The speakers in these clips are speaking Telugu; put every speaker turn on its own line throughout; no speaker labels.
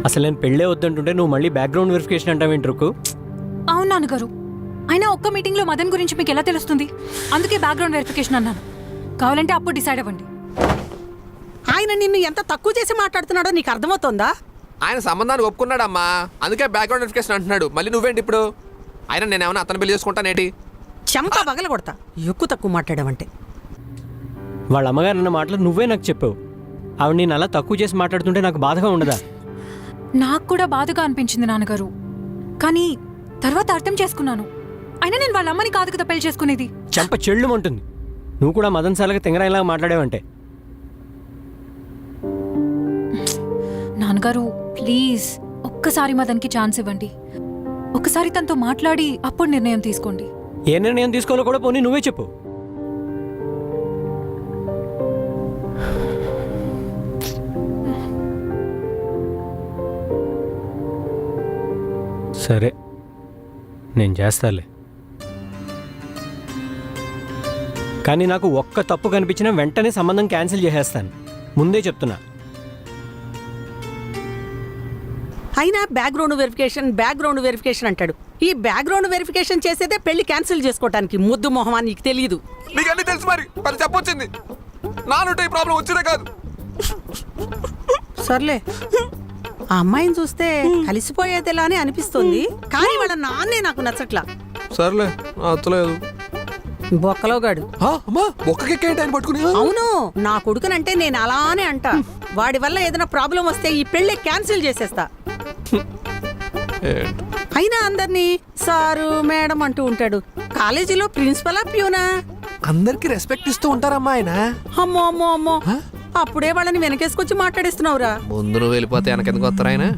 అసలు నేను పెళ్ళే వద్దంటుంటే నువ్వు మళ్ళీ బ్యాక్గ్రౌండ్ వెరిఫికేషన్ అంటావేంటి రుక్కు?
అవును నాన్నగారు, అయినా ఒక్క మీటింగ్లో మదన్ గురించి మీకు ఎలా తెలుస్తుంది? అందుకే బ్యాక్గ్రౌండ్ వెరిఫికేషన్ అన్నాను. కావాలంటే అప్పుడు డిసైడ్ అవ్వండి.
ఆయన నిన్ను ఎంత తక్కువ చేసి మాట్లాడుతున్నాడో నీకు అర్థమవుతోందా?
ఆయన సంబంధాన్ని ఒప్పుకున్నాడమ్మా, అందుకే బ్యాక్గ్రౌండ్ వెరిఫికేషన్ అంటున్నాడు. మళ్ళీ నువ్వేంటి ఇప్పుడు? ఆయన నేనేమన్నా అతను పెళ్లి చేసుకుంటానేటి?
చెంప పగల కొడతా ఎక్కువ తక్కువ మాట్లాడావంటే.
వాళ్ళ అమ్మగారు అన్న మాటలు నువ్వే నాకు చెప్పావు. ఆవిడ నేను అలా తక్కువ చేసి మాట్లాడుతుంటే నాకు బాధగా ఉండదా?
నాకు కూడా బాధగా అనిపించింది నాన్నగారు, కానీ తర్వాత అర్థం చేసుకున్నాను. అయినా నేను వాళ్ళ అమ్మని కాదు కదా పెళ్లి చేసుకునేది.
చెంప చెళ్ళుమంటుంది. నువ్వు కూడా మదన్ సార్గా తింగరాయిలాగా మాట్లాడావంటే.
నాన్నగారు ప్లీజ్ ఒక్కసారి మదన్కి ఛాన్స్ ఇవ్వండి. ఒకసారి తనతో మాట్లాడి అప్పుడు నిర్ణయం తీసుకోండి.
ఏ నిర్ణయం తీసుకోవాలో కూడా పోనీ నువ్వే చెప్పు. సరే, నేను చేస్తాలే. కానీ నాకు ఒక్క తప్పు కనిపించినా వెంటనే సంబంధం క్యాన్సిల్ చేసేస్తాను, ముందే చెప్తున్నా.
అయినా బ్యాక్గ్రౌండ్ వెరిఫికేషన్ అంటాడు. ఈ బ్యాక్గ్రౌండ్ వెరిఫికేషన్ చేసేదే పెళ్లి క్యాన్సిల్ చేసుకోవటానికి. ముద్దు మొహమా నీకు తెలియదు?
నీకు అన్నీ తెలుసు, మరి చెప్పొచ్చింది. నానుంటే ఈ ప్రాబ్లం వచ్చినా కాదు.
సర్లే, ఆ అమ్మాయిని చూస్తే కలిసిపోయేదిలా అని అనిపిస్తుంది, కానీ వాళ్ళ నాన్నే నాకు నచ్చట్లా.
సర్లే, అత్తలేదు.
బొక్కలోగాడు.
అమ్మా ఒక్కకెక్కేంటి ఆయన పట్టుకుని?
అవును, నా కొడుకునంటే నేను అలానే అంటా. వాడి వల్ల ఏదైనా ప్రాబ్లం వస్తే ఈ పెళ్లి క్యాన్సిల్ చేసేస్తా. అయినా అందరినీ సారు మేడం అంటూ ఉంటాడు. కాలేజీలో ప్రిన్సిపలా ప్యూనా?
అందరికి రెస్పెక్ట్ ఇస్తూ ఉంటారమ్మా ఆయన.
అమ్మో అమ్మో అమ్మో, అప్పుడే వాళ్ళని వెనకేసుకొచ్చి మాట్లాడిస్తున్నావురా.
ముందు నువ్వు వెళ్ళిపోతే వెనకెందుకు వస్తారు ఆయన?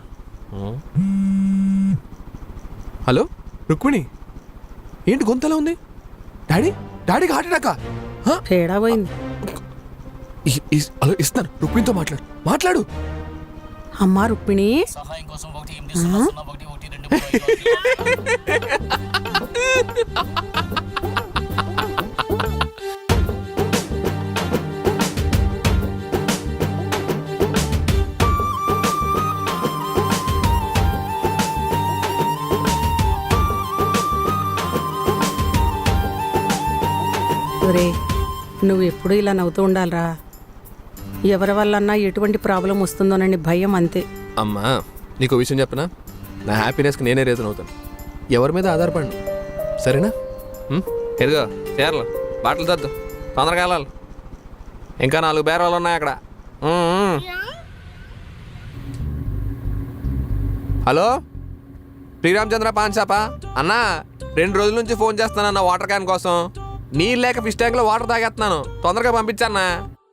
హలో రుక్మిణి, ఏంటి గొంతలా ఉంది? డాడీకి హార్ట్ అటాకా?
తేడా పోయింది.
హలో, ఇస్తాను, రుక్మిణితో మాట్లాడు.
అమ్మా రుక్మిణి, నువ్వు ఎప్పుడు ఇలా నవ్వుతూ ఉండాలరా. ఎవరి వల్లన్నా ఎటువంటి ప్రాబ్లం వస్తుందోనని భయం, అంతే.
అమ్మా నీకు విషయం చెప్పనా? నా హ్యాపీనెస్కి నేనే రీజన్ అవుతాను. ఎవరి మీద ఆధారపడి, సరేనా? ఎదుగో చీరలు, బాటలు తద్దు, తొందరగా వెళ్ళాలి. ఇంకా 4 బేరాలు ఉన్నాయి అక్కడ. హలో, శ్రీరామచంద్ర పాన్ షాపా? అన్నా 2 రోజుల నుంచి ఫోన్ చేస్తానన్న వాటర్ క్యాన్ కోసం. నీళ్ళు లేక ఫిష్ ట్యాంక్లో వాటర్ తాగేస్తున్నాను, తొందరగా పంపించన్నా.